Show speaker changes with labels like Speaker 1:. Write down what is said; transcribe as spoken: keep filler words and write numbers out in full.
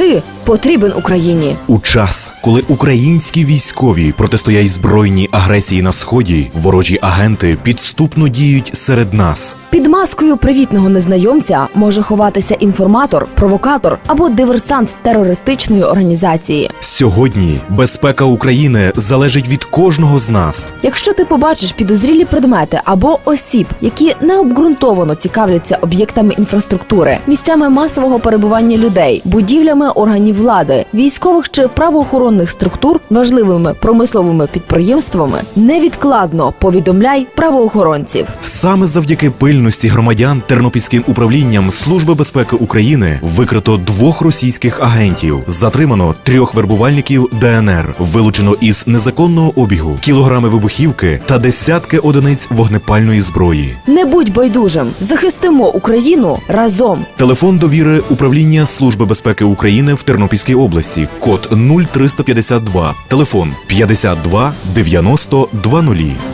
Speaker 1: Ти потрібен Україні.
Speaker 2: У час, коли українські військові протистоять збройній агресії на Сході, ворожі агенти підступно діють серед нас.
Speaker 1: Під маскою привітного незнайомця може ховатися інформатор, провокатор або диверсант терористичної організації.
Speaker 2: Сьогодні безпека України залежить від кожного з нас.
Speaker 1: Якщо ти побачиш підозрілі предмети або осіб, які необґрунтовано цікавляться об'єктами інфраструктури, місцями масового перебування людей, будівлями органів влади, військових чи правоохоронних структур, важливими промисловими підприємствами, невідкладно повідомляй правоохоронців.
Speaker 2: Саме завдяки пильності громадян Тернопільським управлінням Служби безпеки України викрито двох російських агентів, затримано трьох вербувальників ДНР, вилучено із незаконного обігу кілограми вибухівки та десятки одиниць вогнепальної зброї.
Speaker 1: Не будь байдужим, захистимо Україну разом.
Speaker 2: Телефон довіри управління Служби безпеки України в Тернопільській області. Код нуль триста п'ятдесят два. Телефон п'ятдесят два дев'яносто двадцять.